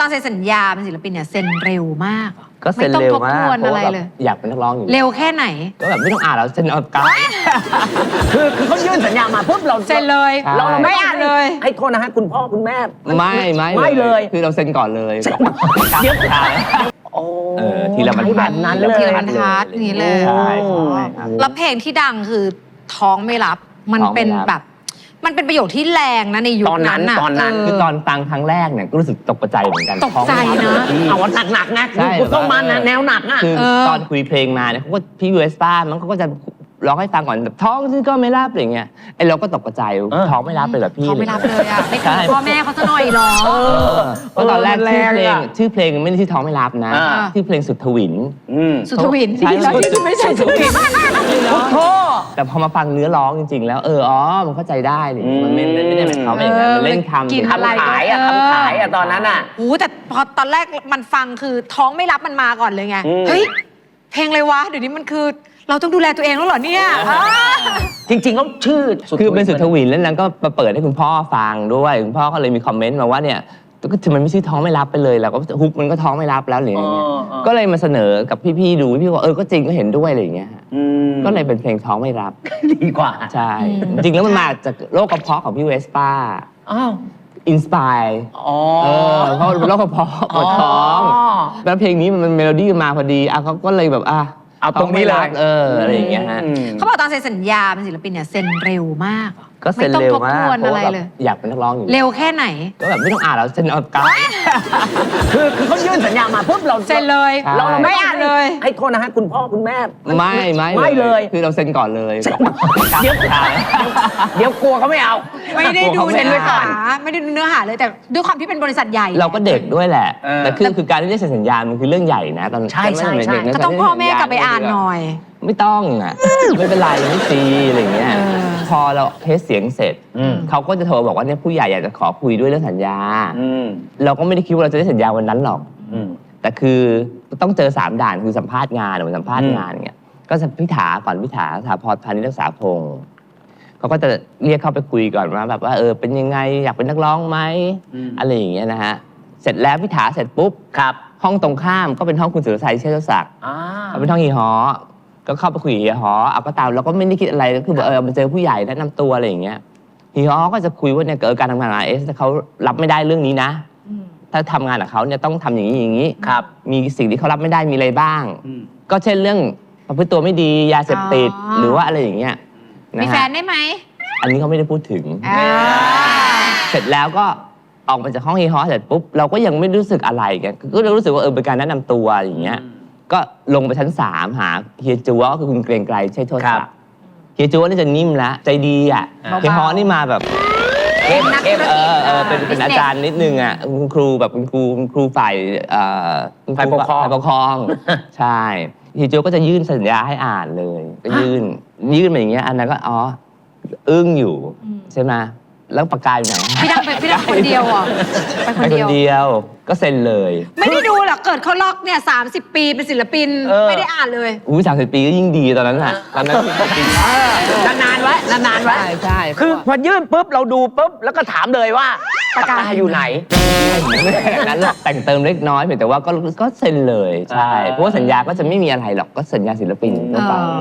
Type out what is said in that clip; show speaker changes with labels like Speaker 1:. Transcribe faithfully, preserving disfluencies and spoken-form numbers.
Speaker 1: ตอนเซ็นสัญญาเป็นศิลปินเนี่ยเซ็นเร็วมาก
Speaker 2: ก็เซ็นเร็วมาก
Speaker 1: เพราะว่าแบบ
Speaker 2: อยากเป็นนักร้องอยู่
Speaker 1: เร็วแค่ไหน
Speaker 2: ก็แบบไม่ต้องอ่านแล้วเซ็นเอากาย
Speaker 3: คือคือเขายื่นสัญญามาปุ๊บเรา
Speaker 1: เซ็นเลย
Speaker 3: เรา
Speaker 1: ไม่อ่านเลย
Speaker 3: ให้โทษนะฮะคุณพ่อคุณแม่
Speaker 2: ไม่ไม่
Speaker 3: ไม่เลย
Speaker 2: คือเราเซ็นก่อนเลย
Speaker 3: เดี๋ยวโอ้
Speaker 2: ทีละบรรทัด
Speaker 3: นั้นเลย
Speaker 1: ทีละบรรทัดนี้เลย
Speaker 2: ใช่
Speaker 1: แล้วเพลงที่ดังคือท้องไม่รับมันเป็นแบบมันเป็นประโยคที่แรงนะในยุคนั้น
Speaker 3: ตอนนั้น
Speaker 2: คือตอนฟังครั้งแรกเนี่ยก็รู้สึกตกใจเหมือนกัน
Speaker 1: ตกใจนะ
Speaker 3: เอาว่าหนักๆนะคุณต้องมาแนวหนักอ่ะ
Speaker 2: คือตอนคุยเพลงมาเนี่ยเขาก็พี่ยูเอสป้ามันเขาก็จะร้องให้ฟังก่อนแบบท้องซึ่งก็ไม่รับอะไรเงี้ยไอเราก็ตกใจท้องไม่รับเลยแบบพี่
Speaker 1: ท้องไม่รับเลยอ่ะไม่คือพ่อแม่เขาจะหน่อยหรอ
Speaker 2: เพราะตอนแรกชื่อเพลงชื่อเพลงไม่ได้ชื่อท้องไม่รับนะชื่อเพลงสุดทวิน
Speaker 1: สุดทวินที่เราไม่ใช่สุดทวิน
Speaker 3: พุทโธ
Speaker 2: แต่พอมาฟังเนื้อร้องจริงๆแล้วเอออ๋อมันเข้าใจได้มันไม่ไม่ได้เป็นเขาเป็นอย่างนั้นมันเล่นคำ
Speaker 3: คำขายอะคำขายอะตอนนั้นอะ
Speaker 1: โอ้แต่พอตอนแรกมันฟังคือท้องไม่รับมันมาก่อนเลยไงเฮ้ยเพลงอะไรวะเดี๋ยวนี้มันคือเราต้องดูแลตัวเองแล้วเหรอเนี่ย
Speaker 3: จริงๆแล้วชื่อ
Speaker 2: คือเป็นสุดทวินแล้วนั้นก็มาเปิดให้คุณพ่อฟังด้วยคุณพ่อก็เลยมีคอมเมนต์มาว่าเนี่ยก็ถึงมันไม่ใช่ท้องไม่รับไปเลยแล้วก็ฮุกมันก็ท้องไม่รับแล้วหรืออย่างเงี้ยก็เลยมาเสนอกับพี่ๆดูพี่ว่าเออก็จริงก็เห็นด้วยอะไรอย่างเงี้ยก็เลยเป็นเพลงท้องไม่รับ
Speaker 3: ดีกว่า
Speaker 2: ใช่จริงแล้วมันมาจากโรคกระเพาะของพี่เวสป้า
Speaker 3: อ้าว
Speaker 2: อินสปายเออเพราะโรคกระเพาะปวดท้องแล้วเพลงนี้มันเมโลดี้มาพอดีอ่ะเขาก็เลยแบบอ่ะ
Speaker 3: เอาตรงนี้เลย
Speaker 2: เอออะไรอย่างเงี้ยฮะ
Speaker 1: เขาบอกตอนเซ็นสัญญาเป็นศิลปินเนี่ยเซ็นเร็วมาก
Speaker 2: ก็เซ็นเร็วมากเพราะว่าแบบอยากเป็นนักร้องอยู่
Speaker 1: เร็วแค่ไหน
Speaker 2: ก็แบบไม่ต้องอ่านแล้วเซ็นเอากาย
Speaker 3: คือคือเขายื่นสัญญามาปุ๊บเรา
Speaker 1: เซ็นเลย
Speaker 3: เรา
Speaker 1: ไม่อ่านเลย
Speaker 3: ให้โทษนะฮะคุณพ่อคุณแม่
Speaker 2: ไม่ไม่
Speaker 3: ไม่เลย
Speaker 2: คือเราเซ็นก่อนเลย
Speaker 3: เดี๋ยวเดี๋ยวกลัวเขาไม่เอา
Speaker 1: ไม่ได้ดูเนื้อหาไม่ได้ดูเนื้อหาเลยแต่ด้วยความที่เป็นบริษัทใหญ่
Speaker 2: เราก็เด็กด้วยแหละแต่คือคือการที่ได้เซ็นสัญญามันคือเรื่องใหญ่นะตอน
Speaker 3: ใช่ใช่ใช่
Speaker 1: ก็ต้องพ่อแม่กลับไปอ่านหน่อย
Speaker 2: ไม่ต้องอ่ะไม่เป็นไรไม่ซีอะไรเงี้ยพอเราเทสเสียงเสร็จเขาก็จะโทรบอกว่าเนี่ยผู้ใหญ่อยากจะขอคุยด้วยเรื่องสัญญาเราก็ไม่ได้คิดว่าเราจะได้สัญญาวันนั้นหรอกแต่คือต้องเจอสามด่านคือสัมภาษณ์งานหรือสัมภาษณ์งานเงี้ยก็พิถาก่อนพิถาสถาพรพานิชรักษาพงศ์เขาก็จะเรียกเข้าไปคุยก่อนว่าแบบว่าเออเป็นยังไงอยากเป็นนักร้องไหมอะไรอย่างเงี้ยนะฮะเสร็จแล้วพิถาเสร็จปุ๊บ
Speaker 3: ครับ
Speaker 2: ห้องตรงข้ามก็เป็นห้องคุณสุรชัยเชษฐศักดิ์เขาเป็นห้องฮีฮอก็เข้าไปคุยฮีฮอเอาก็ตามเราก็ไม่ได้คิดอะไรก็คือแบบเออมาเจอผู้ใหญ่แนะนำตัวอะไรอย่างเงี้ยฮีฮอก็จะคุยว่าเนี่ยเกิดการทำงานเอสเขารับไม่ได้เรื่องนี้นะถ้าทำงานกับเขาเนี่ยต้องทำอย่างนี้อย่างนี้
Speaker 3: ครับ
Speaker 2: มีสิ่งที่เขารับไม่ได้มีอะไรบ้างก็เช่นเรื่องประพฤติตัวไม่ดียาเสพติดหรือว่าอะไรอย่างเงี้ย
Speaker 1: มีแฟนได้ไหม
Speaker 2: อันนี้เขาไม่ได้พูดถึงเสร็จแล้วก็ออกมาจากห้องฮีฮอเสร็จปุ๊บเราก็ยังไม่รู้สึกอะไรกันก็รู้สึกว่าเออเป็นการแนะนำตัวอย่างเงี้ยก็ลงไปชั้นสามหาเฮียจัวก็คือคุณเกรียงไกรใช่โทษครับเฮียจัวนี่จะนิ่มแล้วใจดีอ่ะเฮียฮอนี่มาแบบ
Speaker 3: เข้มเข้ม
Speaker 2: เออเออเป็นเป็นอาจารย์นิดนึงอ่ะคุณครูแบบคุณครูคุณครูฝ่ายเอ่อ
Speaker 3: ฝ่ายปกครอง
Speaker 2: ฝ่ายปกครองใช่เฮียจัวก็จะยื่นสัญญาให้อ่านเลยก็ยื่นยื่นมาอย่างเงี้ยอันนั้นก็อ๋ออึ้งอยู่ใช่ไหมแล้วปากกาอยู่ไหน
Speaker 1: พี่ดังไปพี่ดังคนเดียวอ่ะ
Speaker 2: ไปคนเดียวก็เซ็นเลย
Speaker 1: ไม่ได้ดูหรอกเกิดเขาล็อกเนี่ยสามสิบปีเป็นศิลปินไม่ได้อ่านเลย
Speaker 2: อุ้ยสามสิบปีก็ยิ่งดีตอนนั้นแหละตอนนั้น
Speaker 3: นานๆไว้นานๆไว้
Speaker 2: ใช่ใช่
Speaker 3: คือพอยื่นปุ๊บเราดูปุ๊บแล้วก็ถามเลยว่าปากกาอยู่ไหน
Speaker 2: นั้นแต่งเติมเล็กน้อยเพียงแต่ว่าก็ก็เซ็นเลยใช่เพราะว่าสัญญาก็จะไม่มีอะไรหรอกก็สัญญาศิลปินทั่วไป